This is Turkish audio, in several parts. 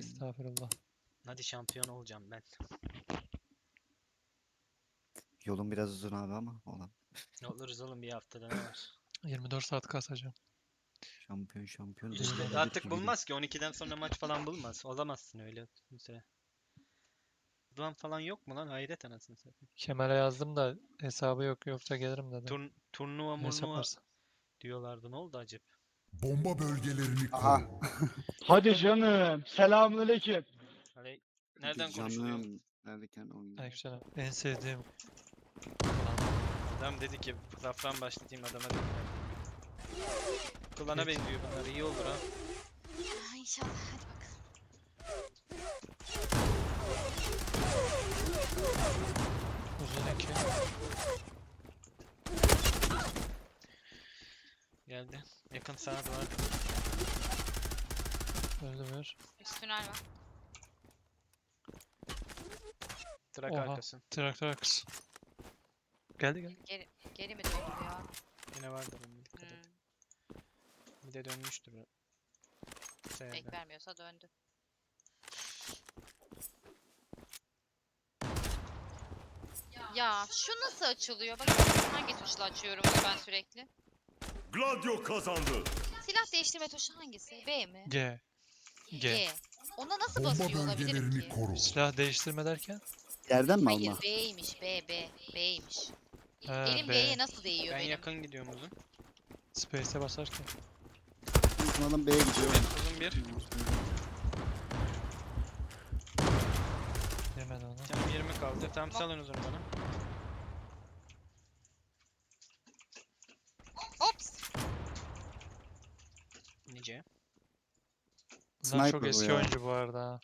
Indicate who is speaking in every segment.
Speaker 1: Estağfurullah.
Speaker 2: Hadi şampiyon olacağım ben.
Speaker 3: Yolun biraz uzun abi ama olan.
Speaker 2: Ne oluruz oğlum, bir haftada ne var?
Speaker 1: 24 saat kasacağım.
Speaker 3: Şampiyon.
Speaker 1: İşte
Speaker 3: Dördüncü
Speaker 2: Artık
Speaker 3: bir
Speaker 2: bulmaz ki, 12'den sonra maç falan bulmaz. Olamazsın öyle mesela. Duan falan yok mu lan? Hayret anasını satayım.
Speaker 1: Kemal'e yazdım da hesabı yok, yoksa gelirim dedi.
Speaker 2: Turnuva
Speaker 1: Ne hesap
Speaker 2: murnuva
Speaker 1: varsa.
Speaker 2: diyorlardı. Ne oldu acaba?
Speaker 4: Bomba bölgelerini
Speaker 3: Aha.
Speaker 4: koru.
Speaker 5: Hadi canım. Selamünaleyküm.
Speaker 2: Hani nereden konuşuluyor?
Speaker 3: Canım. Neredeyken oyun.
Speaker 1: Aleykümselam. En sevdiğim
Speaker 2: Adam dedi ki safran başlatayım, adama dedim. Klana benziyor bunlar, iyi olur ha.
Speaker 6: İnşallah, hadi bakalım.
Speaker 1: uzun iki.
Speaker 2: Geldi. Yakın sağa doğru.
Speaker 1: Öldü bir.
Speaker 6: Üst tünel var.
Speaker 2: Trak
Speaker 1: Oha.
Speaker 2: arkası.
Speaker 1: Traktör arkası. Geldi.
Speaker 6: Geri mi döndü ya?
Speaker 2: Yine vardır onun, dikkat et. Bir de dönmüştür o. Sayede.
Speaker 6: Pek vermiyorsa döndü. Ya şu nasıl açılıyor? Bak hangi tuşla açıyorum bunu ben sürekli?
Speaker 4: Gladio kazandı.
Speaker 6: Silah değiştirme tuşu hangisi? B mi?
Speaker 1: G.
Speaker 6: G. Ona nasıl
Speaker 4: Bomba
Speaker 6: basıyor olabilirim
Speaker 4: bölgelerini
Speaker 6: ki?
Speaker 4: koru.
Speaker 1: Silah değiştirme derken?
Speaker 3: Yerden mi alma?
Speaker 6: Hayır B'ymiş B'ymiş.
Speaker 1: Ha,
Speaker 6: Elim
Speaker 1: B.
Speaker 6: B'ye nasıl değiyor
Speaker 2: Ben
Speaker 6: benim?
Speaker 2: yakın gidiyorum uzun.
Speaker 1: Space'e basarken.
Speaker 3: Bizim adam B'ye gidiyor.
Speaker 2: Uzun bir.
Speaker 1: Yemedi onu.
Speaker 2: Canım 20 kaldı. Tamam, salın uzun bana.
Speaker 6: Ops!
Speaker 2: Nice.
Speaker 1: Bunlar çok
Speaker 3: Sniper bu
Speaker 1: eski
Speaker 3: ya.
Speaker 1: oyuncu bu arada. ha.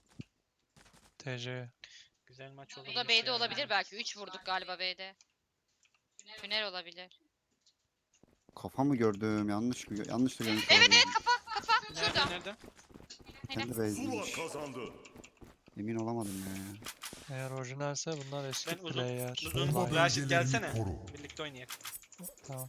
Speaker 1: TC.
Speaker 2: Güzel maç oldu.
Speaker 6: Bu da B'de olabilir belki. 3 vurduk galiba B'de. Tünel olabilir.
Speaker 3: Kafa mı gördüm? Yanlış mı? Yanlış da görmüş
Speaker 6: Evet
Speaker 3: olabilirim.
Speaker 6: evet kafa şurada.
Speaker 2: Nerede?
Speaker 3: Kendi
Speaker 4: Zula
Speaker 3: base'iymiş.
Speaker 4: kazandı.
Speaker 3: Emin olamadım ya.
Speaker 1: Eğer orijinalse bunlar eski
Speaker 2: Ben uzun-
Speaker 1: player.
Speaker 2: uzun-
Speaker 4: Bomba
Speaker 2: Raşit
Speaker 4: bölgelerini
Speaker 2: gelsene.
Speaker 4: koru.
Speaker 2: Birlikte oynayalım.
Speaker 1: Tamam.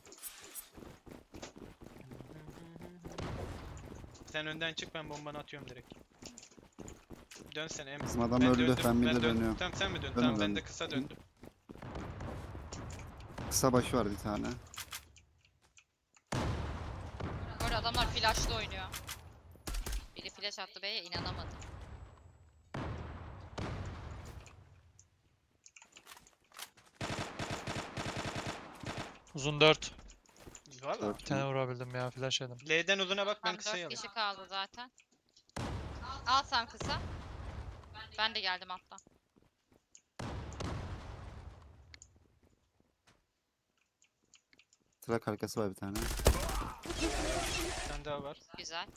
Speaker 2: Sen önden çık, ben bombanı atıyorum direkt. Dönsene Emre.
Speaker 3: Bizim adam
Speaker 2: Ben
Speaker 3: öldü.
Speaker 2: döndüm,
Speaker 3: Ben bir de
Speaker 2: döndüm.
Speaker 3: dönüyorum.
Speaker 2: Tamam sen mi dön?
Speaker 3: Döndüm,
Speaker 2: Tamam ben
Speaker 3: döndüm.
Speaker 2: de kısa döndüm.
Speaker 3: Kısa başı var bir tane.
Speaker 6: Böyle adamlar flash'la oynuyor. Biri flash attı B'ye inanamadım.
Speaker 1: Uzun 4.
Speaker 2: Valla.
Speaker 3: Dört.
Speaker 1: Bir tane vurabildim ya. Flash yedim.
Speaker 2: L'den uzuna bak, ben
Speaker 6: Tam
Speaker 2: kısayı
Speaker 6: 4
Speaker 2: alayım.
Speaker 6: kişi kaldı zaten. Al sen kısa. Ben de geldim alttan.
Speaker 3: Trak arkası var bir tane.
Speaker 2: Bir tane daha var.
Speaker 6: Güzel.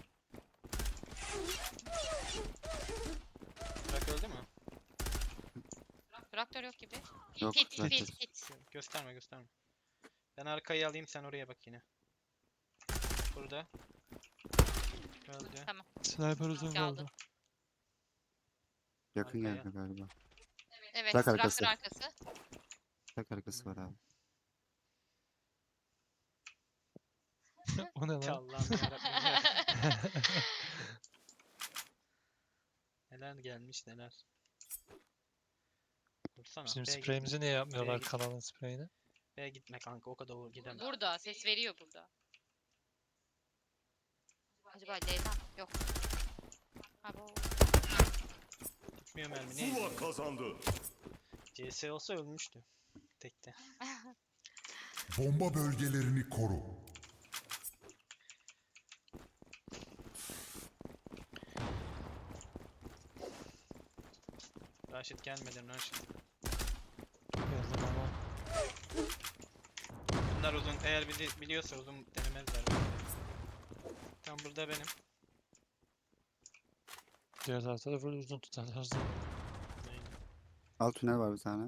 Speaker 2: Bırak, öldü mü?
Speaker 6: Traktör yok gibi.
Speaker 3: Yok,
Speaker 6: Pit
Speaker 3: traktör.
Speaker 6: pit.
Speaker 2: Gösterme. Ben arkayı alayım, sen oraya bak yine. Burada. Öldü.
Speaker 1: Sniper uzun
Speaker 6: Kaldı.
Speaker 1: kaldı.
Speaker 3: Yakın
Speaker 2: Arkaya.
Speaker 3: geldi galiba.
Speaker 6: Evet
Speaker 3: Trak
Speaker 6: traktör
Speaker 3: arkası.
Speaker 6: arkası.
Speaker 3: Trak arkası var abi.
Speaker 1: O ne lan?
Speaker 2: Allah'ım yarabbim. Neler gelmiş neler. Dursana.
Speaker 1: Bizim
Speaker 2: B'ye gitme.
Speaker 1: spreyimizi niye yapmıyorlar,
Speaker 2: git.
Speaker 1: kanalın spreyini?
Speaker 2: B'ye gitme kanka, o kadar gidemem.
Speaker 6: Burada ses veriyor burada. Acaba L'den yok. Abo.
Speaker 2: Gitmiyor mermi, ne
Speaker 4: Zula
Speaker 2: izliyor?
Speaker 4: kazandı.
Speaker 2: CS olsa ölmüştü. Tekte.
Speaker 4: Bomba bölgelerini koru.
Speaker 2: Raşit gelmeden Raşit.
Speaker 1: Geldim ama.
Speaker 2: Bunlar uzun, eğer biliyorsa uzun denemezler. Tam burada benim.
Speaker 1: Diğer tarafta da böyle uzun tutarlar.
Speaker 2: Aynen.
Speaker 3: Alt tünel var bir tane.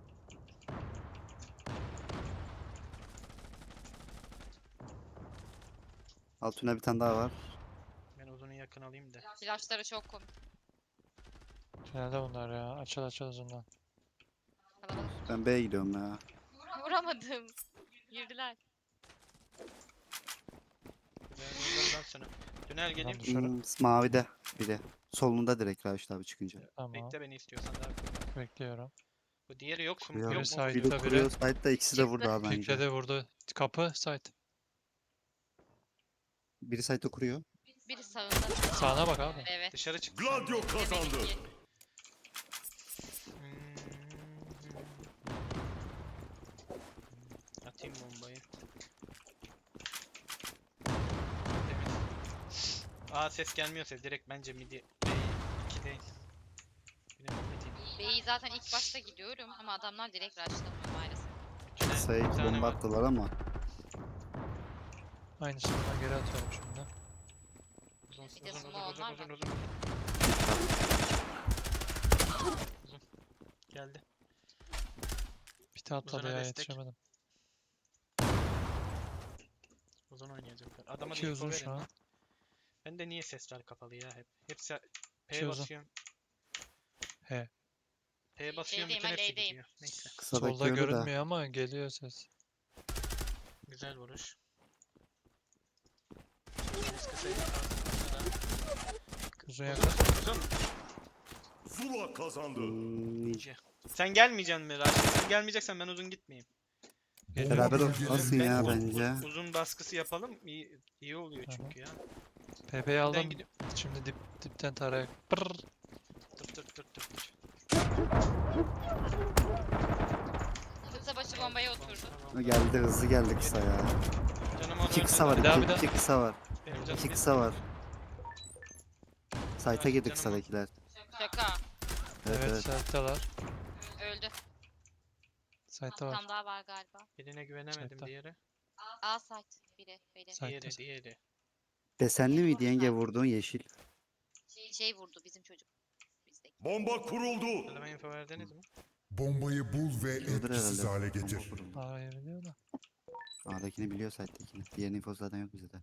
Speaker 3: Alt tünel bir tane daha var.
Speaker 2: Ben uzunu yakın alayım da.
Speaker 6: Flashları çok komik.
Speaker 1: Tünelde bunlar ya. Açıl uzundan.
Speaker 6: Kalabalık.
Speaker 3: Ben B'ye gidiyorum ya.
Speaker 6: Vuramadım. Girdiler.
Speaker 2: Ben uzundan sonra. Tünel geliyor.
Speaker 1: Dışarı.
Speaker 3: Mavide. biri. Solunda direkt Raşit abi çıkınca.
Speaker 1: Tamam.
Speaker 2: Bekle beni istiyorsan daha.
Speaker 1: Bekliyorum.
Speaker 2: Bu diğeri yok.
Speaker 3: Kuruyor.
Speaker 2: Yok mu?
Speaker 1: Side.
Speaker 3: Biri
Speaker 1: Biri-
Speaker 3: kuruyor site'da ikisi de
Speaker 6: Çıktı.
Speaker 3: burada abi bence.
Speaker 1: Pikledi vurdu. Kapı site.
Speaker 3: Biri site'da kuruyor.
Speaker 6: Biri sağında.
Speaker 1: Sağına bak abi.
Speaker 6: Evet.
Speaker 2: Dışarı çık.
Speaker 4: Gladio kazandı.
Speaker 2: Atayım bombayı. Ses gelmiyorsa direkt bence midi B2 değil. Benim midi.
Speaker 6: B'yi zaten ilk başta gidiyorum ama adamlar direkt rushlamıyor maalesef.
Speaker 2: Tünel
Speaker 3: Kısaya
Speaker 2: bir
Speaker 3: iki
Speaker 2: tane
Speaker 3: bomba
Speaker 2: var.
Speaker 3: attılar ama.
Speaker 1: Aynısını ben geri atıyorum şimdi.
Speaker 2: Uzun
Speaker 6: Bir de
Speaker 2: uzun
Speaker 6: smoke
Speaker 2: uzun
Speaker 6: onlar
Speaker 2: uzun
Speaker 6: var.
Speaker 2: uzun. Uzun. Geldi.
Speaker 1: Pite atladı
Speaker 2: Uzuna
Speaker 1: ya
Speaker 2: destek.
Speaker 1: yetişemedim.
Speaker 2: Uzun oynayacaklar. Adama da
Speaker 1: İki
Speaker 2: info
Speaker 1: uzun
Speaker 2: verin
Speaker 1: şu an.
Speaker 2: lan. Bende niye sesler kapalı ya hep? Hepsi P
Speaker 1: İki uzun.
Speaker 2: basıyorum.
Speaker 1: He.
Speaker 2: P basıyorum bütün
Speaker 6: L'deyim,
Speaker 2: hepsi
Speaker 6: L'deyim.
Speaker 2: gidiyor. Neyse.
Speaker 3: Kısadaki
Speaker 1: Solda
Speaker 3: ölü de.
Speaker 1: görünmüyor ama geliyor ses.
Speaker 2: Güzel vuruş. Biz kısayı
Speaker 1: Uzun yakın.
Speaker 2: Uzun.
Speaker 4: Zula kazandı.
Speaker 2: Sen gelmeyeceksin mi Raşit? Sen gelmeyeceksen ben uzun gitmeyeyim.
Speaker 1: Geliyor.
Speaker 3: Beraber
Speaker 4: Bölgelerini
Speaker 3: olmasın ya
Speaker 4: koru.
Speaker 3: bence.
Speaker 2: Uzun baskısı yapalım. İyi oluyor çünkü ya.
Speaker 1: PP'yi
Speaker 2: Ben
Speaker 1: aldım.
Speaker 2: gidiyorum.
Speaker 1: Şimdi dipten tarayak. Pırr.
Speaker 2: Tır tır tır tır tır.
Speaker 6: Kısa başı bombaya oturdu.
Speaker 2: Tamam.
Speaker 3: Geldi hızlı geldi kısa ya.
Speaker 2: Canım onu
Speaker 3: İki kısa var.
Speaker 1: Bir daha,
Speaker 3: iki,
Speaker 1: bir daha.
Speaker 3: iki kısa var.
Speaker 2: Benim canım
Speaker 3: İki
Speaker 2: bir-
Speaker 3: kısa var. Site'a
Speaker 2: Raşit
Speaker 3: girdi
Speaker 2: canım
Speaker 3: kısadakiler.
Speaker 6: Şaka.
Speaker 3: Evet
Speaker 1: Evet,
Speaker 3: evet.
Speaker 1: site'dalar.
Speaker 6: Öldü.
Speaker 1: Site'da
Speaker 6: Bir
Speaker 1: var.
Speaker 6: tane daha var galiba.
Speaker 2: Birine güvenemedim
Speaker 1: Site'da.
Speaker 2: diğeri.
Speaker 6: A site. Biri.
Speaker 1: Site'da.
Speaker 2: Diğeri.
Speaker 3: Desenli miydi yenge vurduğun yeşil?
Speaker 6: Şey vurdu bizim çocuk. Bizdeki.
Speaker 4: Bomba kuruldu.
Speaker 2: Adama info verdiniz mi?
Speaker 4: Bombayı bul ve
Speaker 3: Biliyordur
Speaker 4: etkisiz
Speaker 3: herhalde.
Speaker 4: hale getir.
Speaker 3: Bomba kuruldu.
Speaker 1: Hayır biliyor da.
Speaker 3: A'dakini biliyor site'dekini. Diğer info zaten yok bizde.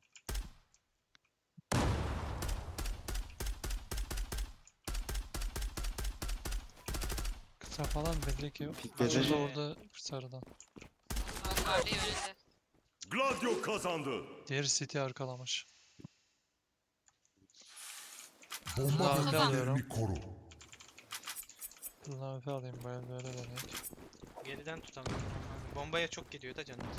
Speaker 1: Kısa falan belli ki yok.
Speaker 3: Pikledi.
Speaker 1: Açıldı orada sarıdan.
Speaker 6: Yukarıda öldü.
Speaker 4: Gladio kazandı.
Speaker 1: Diğeri City arkalamış.
Speaker 4: Bomba
Speaker 1: Abi
Speaker 4: bölgelerini
Speaker 1: alıyorum.
Speaker 4: koru.
Speaker 1: Buradan öpe alayım böyle deneyek.
Speaker 2: Geriden tutalım. Bombaya çok gidiyor da canım.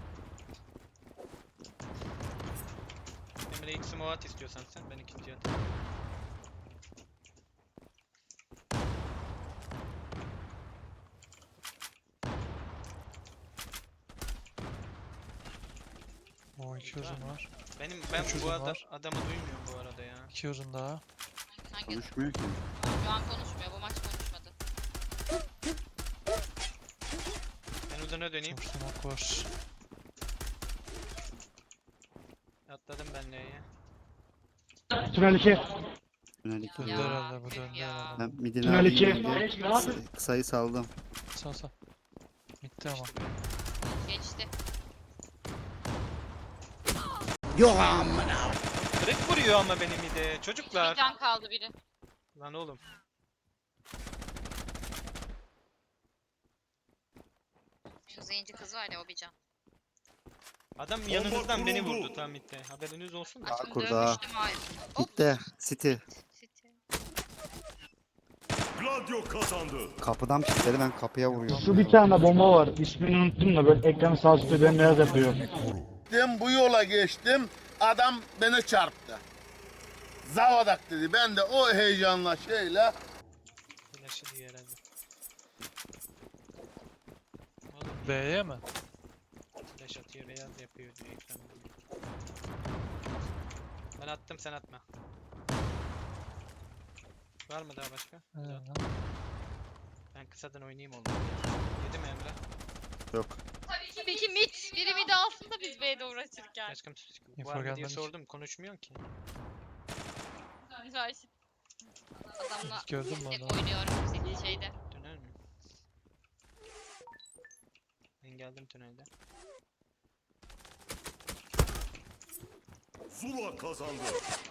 Speaker 2: Emre ilk smoke at istiyorsan sen. Ben ikinci atayım.
Speaker 1: O iki uzun var.
Speaker 2: Ben
Speaker 1: Üç
Speaker 2: bu
Speaker 1: uzun var.
Speaker 2: adamı duymuyorum bu arada ya.
Speaker 1: İki uzun daha.
Speaker 6: Hangi?
Speaker 3: Konuşmuyor ki.
Speaker 6: Şu an konuşmuyor. Bu maç konuşmadı.
Speaker 2: Ben uzuna döneyim.
Speaker 1: Çok smoke var.
Speaker 2: Atladım ben L'ye.
Speaker 5: Tünel 2.
Speaker 3: Tünel 2.
Speaker 1: Döndü
Speaker 6: Ya,
Speaker 1: herhalde bu
Speaker 6: tüh
Speaker 1: döndü
Speaker 6: ya.
Speaker 1: herhalde.
Speaker 3: Ben midini
Speaker 5: Tünel
Speaker 3: alayım
Speaker 5: 2.
Speaker 3: deyince kısayı saldım.
Speaker 1: Sağ. Bitti ama.
Speaker 2: İşte böyle.
Speaker 6: Geçti.
Speaker 2: Kırık vuruyor ama benim de.
Speaker 6: Bir
Speaker 2: Çocuklar.
Speaker 6: can kaldı biri.
Speaker 2: Lan oğlum.
Speaker 6: Şu zenci kız var ya o bir can.
Speaker 2: Adam
Speaker 4: Bomba
Speaker 2: yanınızdan beni
Speaker 4: kuruldu.
Speaker 2: vurdu tam mitte. Haberiniz olsun da.
Speaker 6: Aşkım
Speaker 3: kurda.
Speaker 6: dönmüştüm hayır. Hop.
Speaker 3: Gitti. City.
Speaker 6: City.
Speaker 4: Gladio kazandı.
Speaker 3: Kapıdan pikledi ben kapıya vuruyorum.
Speaker 5: Şu bir tane bomba var. İsmini unuttum da böyle ekranı sağ üstte bembeyaz yapıyor.
Speaker 4: Koru.
Speaker 7: Gittim bu yola geçtim. Adam beni çarptı. Zavadak dedi. Ben de o heyecanla şeyle
Speaker 2: Flash'ı diye herhalde. Oğlum
Speaker 1: B'ye mi?
Speaker 2: flash atıyor beyaz yapıyor diye ekran. Ben attım sen atma. Var mı daha başka? Hadi at. Ben kısadan oynayayım oğlum. Yedim Emre.
Speaker 3: Yok.
Speaker 6: Peki mit. Biri mid alsın da biz B'de uğraşırken.
Speaker 2: Aşkım
Speaker 1: Info
Speaker 2: var mı diye
Speaker 1: gelmemiş.
Speaker 2: sordum konuşmuyorsun ki.
Speaker 6: Raşit. Adamla
Speaker 1: Gördün mü
Speaker 6: tek
Speaker 1: onu?
Speaker 6: oynuyorum bizim şeyde.
Speaker 2: Tünel mi? Ben geldim tünelde.
Speaker 4: Zula kazandı.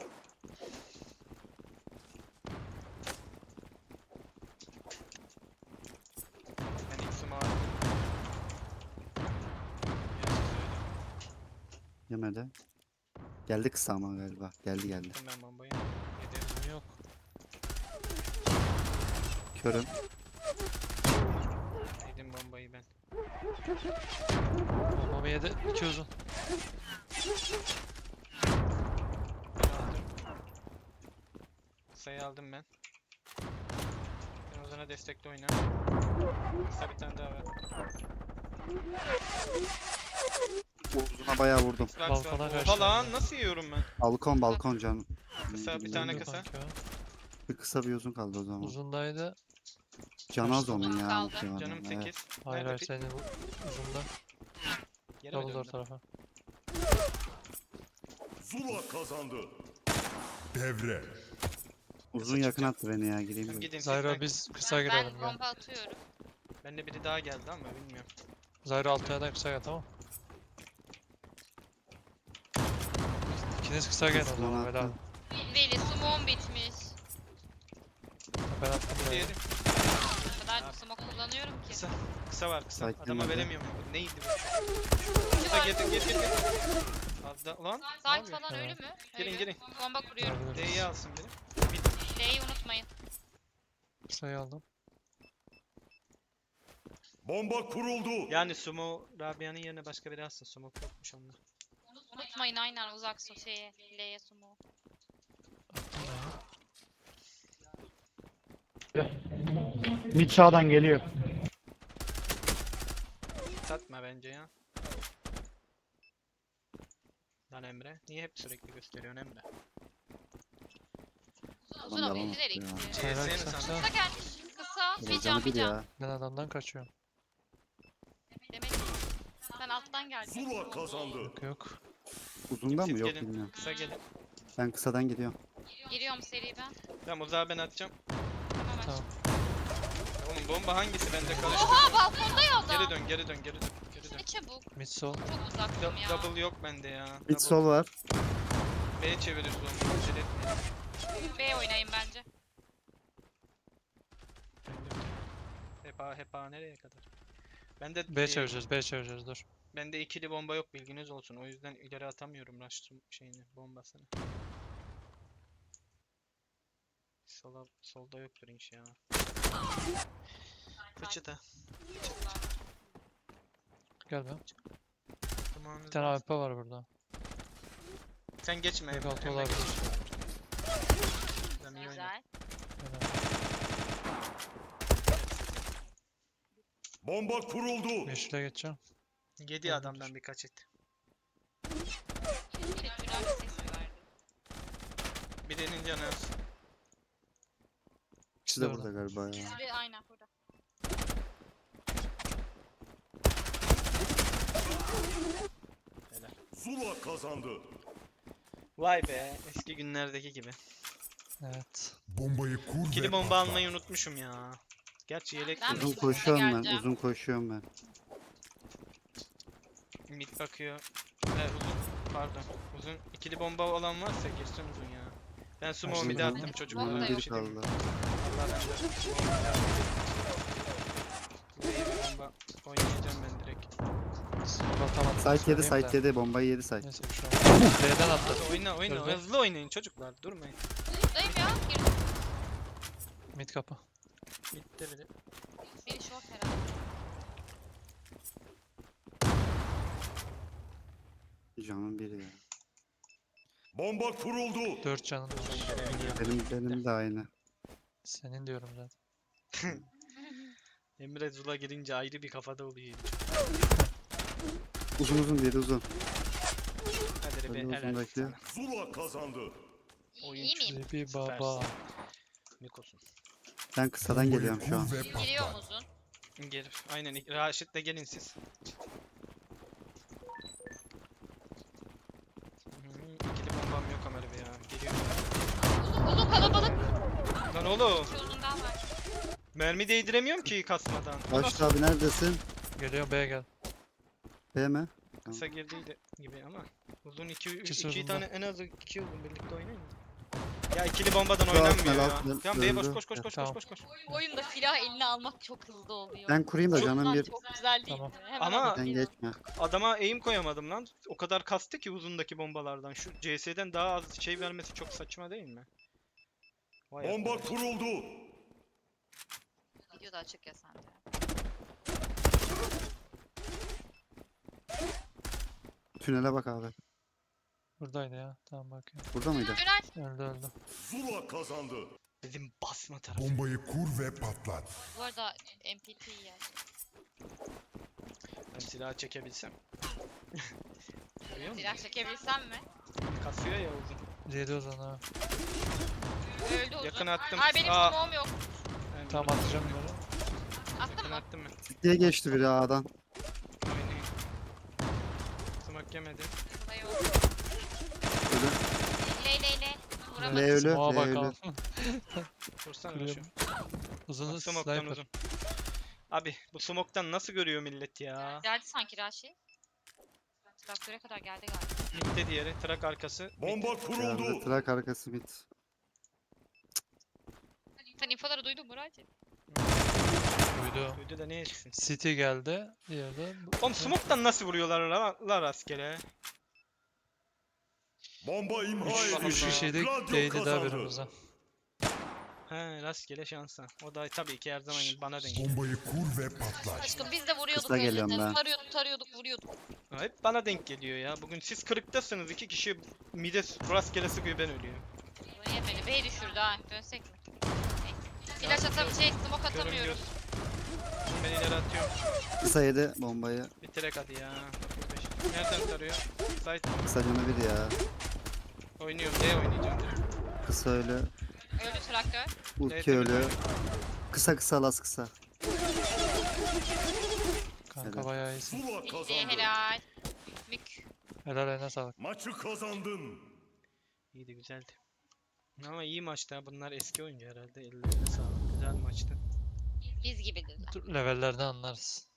Speaker 2: Ben ilk smoke attım.
Speaker 3: Yemedi. Geldi kısa ama galiba. Geldi.
Speaker 2: Attım ben bombayı. Yedim.
Speaker 1: Niye
Speaker 3: Körüm.
Speaker 2: Yedim bombayı ben.
Speaker 1: Bombamı yedi. 2 uzun.
Speaker 2: Aldım. Sayı aldım ben. Ben Ozan'a destekli oyna. Kısa bir tane daha var.
Speaker 3: Uzuna bayağı vurdum.
Speaker 2: Bak,
Speaker 1: Balkona
Speaker 2: bak.
Speaker 1: kaçtı.
Speaker 2: Oha lan nasıl yiyorum ben?
Speaker 3: Balkon canım.
Speaker 2: Kısa bir tane
Speaker 1: Öldü
Speaker 2: kısa.
Speaker 1: kanka.
Speaker 3: Bir kısa bir uzun kaldı o zaman.
Speaker 1: Uzundaydı.
Speaker 3: Can az onun ya.
Speaker 6: Kaldı.
Speaker 3: muhtemelen,
Speaker 2: Canım
Speaker 3: evet.
Speaker 2: 8.
Speaker 1: Hayır
Speaker 2: Nerede
Speaker 1: hayır
Speaker 2: pik?
Speaker 1: senin uzunda.
Speaker 2: Geri mi
Speaker 1: Double door
Speaker 2: döndü?
Speaker 1: tarafa.
Speaker 4: Zula kazandı. Devre.
Speaker 3: Uzun yakın attı beni ya. Gireyim
Speaker 2: Tamam,
Speaker 3: de.
Speaker 2: gidin siz,
Speaker 1: Zyro
Speaker 2: ben-
Speaker 1: biz kısa girelim
Speaker 6: Ben
Speaker 1: gel.
Speaker 6: bomba atıyorum.
Speaker 2: Bende biri daha geldi ama bilmiyorum.
Speaker 1: Zyro altıya da kısa gel tamam. İkiniz kısa gelin o zaman
Speaker 3: Uzun
Speaker 1: helal.
Speaker 3: attı.
Speaker 6: Veli smoke'um bitmiş.
Speaker 1: Ben attım buraya.
Speaker 2: Diğeri
Speaker 6: O kadar smoke kullanıyorum ki.
Speaker 2: kısa. Kısa var kısa.
Speaker 3: Site
Speaker 2: Adama
Speaker 3: demedi.
Speaker 2: veremiyorum. Neydi bu? Kısa gir. Azda lan. ne
Speaker 6: Site
Speaker 2: yapıyor?
Speaker 6: falan ölü mü?
Speaker 2: Girin,
Speaker 6: Ölü.
Speaker 2: girin.
Speaker 6: Bomba kuruyorum.
Speaker 1: Olabilir.
Speaker 2: D'yi alsın biri.
Speaker 6: D'yi unutmayın.
Speaker 1: Kısayı aldım.
Speaker 4: Bomba kuruldu.
Speaker 2: Yani Sumo Rabia'nın yerine başka biri alsın. Sumo yokmuş onda.
Speaker 6: Unutmayın aynen uzak şeye. L'ye smoke.
Speaker 1: Attım ya.
Speaker 5: Mid sağdan geliyor.
Speaker 2: Satma bence ya. Lan Emre. Niye hep sürekli gösteriyorsun Emre?
Speaker 6: Uzun
Speaker 3: devam
Speaker 6: o bildiler
Speaker 3: etti ya.
Speaker 6: ikisi.
Speaker 1: Hayır,
Speaker 2: CS mi
Speaker 1: kısa,
Speaker 2: sandın?
Speaker 6: Kısa gelmiş. Kısa. Bir
Speaker 3: Canı
Speaker 6: can bir
Speaker 3: bir
Speaker 6: can.
Speaker 3: ya.
Speaker 1: Ben adamdan kaçıyorum.
Speaker 6: Demek ki sen alttan geldin.
Speaker 4: Zula kazandı.
Speaker 1: Yok yok.
Speaker 3: Uzunda mı?
Speaker 2: Siz
Speaker 3: Yok
Speaker 2: gelin.
Speaker 3: bilmiyorum.
Speaker 2: Kısa gelin.
Speaker 3: Ben kısadan gidiyorum.
Speaker 6: Giriyorum seri ben.
Speaker 2: Tamam uzağa ben atacağım.
Speaker 6: Tamam
Speaker 1: Tamam.
Speaker 2: Oğlum bomba hangisi bende karıştı.
Speaker 6: Oha balkonda ya adam.
Speaker 2: Geri dön geri dön geri dön. Geri dön.
Speaker 6: Ne çabuk.
Speaker 1: Mid sol.
Speaker 6: Çok uzaktım ya.
Speaker 2: Double yok bende ya.
Speaker 3: Mid
Speaker 2: Double.
Speaker 3: sol var.
Speaker 2: B'ye çeviririz onu. Acele etmeyin.
Speaker 6: B oynayın bence.
Speaker 2: Hep A nereye kadar? Bende
Speaker 1: B çevireceğiz B çevireceğiz dur.
Speaker 2: bende ikili bomba yok bilginiz olsun. O yüzden ileri atamıyorum rush şeyini, bombasını. Solda yoktur inş ya. Fıçıda.
Speaker 1: Gel be.
Speaker 2: Zamanınız
Speaker 1: Bir tane
Speaker 2: var.
Speaker 1: AWP var burada.
Speaker 2: Sen geçme.
Speaker 1: Tek altı
Speaker 2: Emre
Speaker 1: olabilir.
Speaker 2: geç. Ben iyi oynadım.
Speaker 6: Güzel.
Speaker 1: Helal.
Speaker 4: Bomba kuruldu.
Speaker 1: Yeşile geçeceğim.
Speaker 2: Yedi adamdan birkaç et.
Speaker 6: Teşekkürler ses verdi.
Speaker 2: Birinin canı az.
Speaker 3: İkisi de
Speaker 1: Doğru.
Speaker 3: burada galiba ya.
Speaker 6: Biri aynen burada.
Speaker 4: Zula kazandı.
Speaker 2: Vay be, eski günlerdeki gibi.
Speaker 1: Evet.
Speaker 4: Bombayı kur
Speaker 2: İkili bomba almayı unutmuşum ya. Gerçi yelek
Speaker 6: Ben
Speaker 2: de
Speaker 3: Uzun
Speaker 6: Mid'e
Speaker 3: koşuyorum ben.
Speaker 6: geleceğim.
Speaker 3: Uzun koşuyorum ben.
Speaker 2: mid bakıyor. Uzun, pardon. Uzun ikili bomba olan varsa girsin uzun ya. Ben sumo
Speaker 1: Başladı.
Speaker 2: mid'e attım
Speaker 6: Uzun
Speaker 2: çocuklara.
Speaker 3: Uzun
Speaker 6: da
Speaker 2: bir
Speaker 3: biri
Speaker 2: şey diyeyim mi?
Speaker 3: kaldı.
Speaker 2: Allah ben de sumo mid'e attım. Buraya bir bomba oynayacağım ben direkt.
Speaker 1: Atamadım.
Speaker 3: Site yedi
Speaker 1: söyleyeyim de.
Speaker 3: site yedi. Bombayı yedi site.
Speaker 1: Neyse bir şey olmaz. B'den attı.
Speaker 2: Hadi oyna
Speaker 1: Öldü.
Speaker 2: hızlı oynayın çocuklar durmayın.
Speaker 6: Buradayım ya. Girdim.
Speaker 1: Mid kapı.
Speaker 2: Bitti biri.
Speaker 6: Biri short herhalde.
Speaker 3: Canım biri ya.
Speaker 4: Bomba kuruldu.
Speaker 1: 4 canın var.
Speaker 3: Benim de aynı.
Speaker 1: Senin diyorum zaten.
Speaker 2: Emre Zula girince ayrı bir kafada oluyor.
Speaker 3: Uzun biri uzun.
Speaker 2: Hadi
Speaker 3: Öyle
Speaker 2: be helal
Speaker 3: uzundaki.
Speaker 2: sana.
Speaker 4: Zula kazandı.
Speaker 6: İyi miyim?
Speaker 1: Bir baba.
Speaker 2: Mikos'un.
Speaker 3: Ben kısadan geliyorum şu an.
Speaker 6: Giriyor uzun.
Speaker 2: Gelir. Aynen. Raşit'le gelin siz. İkili bombam yok Ömer Bey ya. Geliyor.
Speaker 6: Uzun kalabalık.
Speaker 2: Lan oğlum.
Speaker 6: İki uzun daha var.
Speaker 2: Mermi değdiremiyorum ki kasmadan.
Speaker 3: Başta abi neredesin?
Speaker 1: Geliyor B'ye gel.
Speaker 3: B mi?
Speaker 2: Kısa girdiydi gibi ama. Uzun
Speaker 1: İkisi
Speaker 2: iki
Speaker 1: uzunda.
Speaker 2: tane en az iki uzun birlikte oynayın mı? Ya ikili bombadan
Speaker 3: Şu
Speaker 2: oynanmıyor
Speaker 3: alt,
Speaker 2: ya.
Speaker 3: alt,
Speaker 2: Tamam B'ye boş
Speaker 3: öldü.
Speaker 2: koş koş koş
Speaker 1: Tamam.
Speaker 2: koş koş.
Speaker 6: Oyunda silah eline almak çok hızlı oluyor.
Speaker 3: Ben kurayım da
Speaker 6: Çok
Speaker 3: canım bir.
Speaker 6: Çok güzel değil
Speaker 1: Tamam.
Speaker 6: mi? Hemen
Speaker 2: Ama-
Speaker 6: alıp
Speaker 3: Sen
Speaker 6: geliyorum.
Speaker 3: geçme.
Speaker 2: Adama aim koyamadım lan. O kadar kastı ki uzundaki bombalardan. Şu CS'den daha az şey vermesi çok saçma değil mi? Vay
Speaker 4: Bomba
Speaker 2: arkadaş.
Speaker 4: kuruldu.
Speaker 6: Video da açık ya sende.
Speaker 3: Tünele bak abi.
Speaker 1: Buradaydı ya. Tamam bakıyorum.
Speaker 3: Burada mıydı?
Speaker 6: Tünel.
Speaker 1: Öldü.
Speaker 4: Zula kazandı.
Speaker 2: Bizim basma tarafı.
Speaker 4: Bombayı kur ve patlat.
Speaker 6: Bu arada MPT ya.
Speaker 2: Ben silahı çekebilsem. Görüyor musun?
Speaker 6: Silah çekebilsem mi?
Speaker 2: Kasıyor ya uzun.
Speaker 1: Yedi o zaman ha.
Speaker 6: Öldü uzun.
Speaker 2: Yakın attım.
Speaker 6: Ay benim
Speaker 2: Aa.
Speaker 6: smoke'um yok.
Speaker 2: Ben
Speaker 1: Tamam atacağım böyle.
Speaker 6: Attın
Speaker 2: yakın
Speaker 6: mı?
Speaker 2: attım ben.
Speaker 3: Diye geçti biri A'dan.
Speaker 2: Oynayayım. Smoke yemedi.
Speaker 6: Burayı yok.
Speaker 3: Ölü.
Speaker 6: Leyle. Vuramadım.
Speaker 3: L ölü.
Speaker 1: Smoke'a
Speaker 3: L
Speaker 1: bak
Speaker 3: ölü.
Speaker 1: al.
Speaker 2: Vursana şu.
Speaker 1: Kırıyorum. Uzun
Speaker 2: Bak smoke'tan
Speaker 1: sniper.
Speaker 2: uzun. Abi bu smoke'tan nasıl görüyor millet ya?
Speaker 6: Geldi sanki Raşi. Traktöre kadar geldi galiba.
Speaker 2: Mid'de diğeri. Trak arkası.
Speaker 4: Bomba
Speaker 3: Geldi.
Speaker 4: kuruldu.
Speaker 3: Trak arkası bit.
Speaker 6: Sen infoları duydun mu Raşi?
Speaker 1: Duydu.
Speaker 2: Duydu da ne etsin?
Speaker 1: City geldi. Diğeri de.
Speaker 2: Oğlum smoke'tan nasıl vuruyorlar la rastgele?
Speaker 4: Bomba imha
Speaker 2: Üç-
Speaker 4: edildi.
Speaker 1: Üç kişiydik.
Speaker 4: Gladio
Speaker 1: Değdi daha
Speaker 4: kazandı.
Speaker 1: birimize.
Speaker 2: He rastgele şansa. O da tabii ki her zaman gibi bana denk.
Speaker 4: Bombayı kur ve patlat.
Speaker 6: Aşkım biz de vuruyorduk
Speaker 3: Kısa geliyorum
Speaker 6: önceden.
Speaker 3: ben.
Speaker 6: Tarıyorduk vuruyorduk.
Speaker 2: Ha, hep bana denk geliyor ya. Bugün siz kırıktasınız. 2 kişi mide rastgele sıkıyor ben ölüyorum.
Speaker 6: Bunu yemedi. B düşürdü ha. Dönsek mi? Flash smoke atamıyoruz.
Speaker 2: Şimdi ben ileri atıyorum.
Speaker 3: Kısa yedi bombayı.
Speaker 2: Bitirek hadi ya. 45. Nereden tarıyor? Site
Speaker 3: Kısa canı bir ya.
Speaker 2: oynuyorum. D oynayacağım direkt.
Speaker 3: Kısa ölü.
Speaker 6: Öldü traktör.
Speaker 3: Ulti
Speaker 2: Evet,
Speaker 3: ölü. Kısa las kısa.
Speaker 1: Kanka
Speaker 3: Helal.
Speaker 1: bayağı iyisin.
Speaker 4: Zula
Speaker 6: İyi
Speaker 4: kazandı.
Speaker 6: helal. Mük.
Speaker 1: Helal eline sağlık.
Speaker 4: Maçı kazandın.
Speaker 2: İyiydi güzeldi. Ama iyi maçtı ha. Bunlar eski oyuncu herhalde. Ellerine sağlık. Güzel maçtı.
Speaker 6: Biz gibi dediler.
Speaker 1: Dur, levellerden anlarız.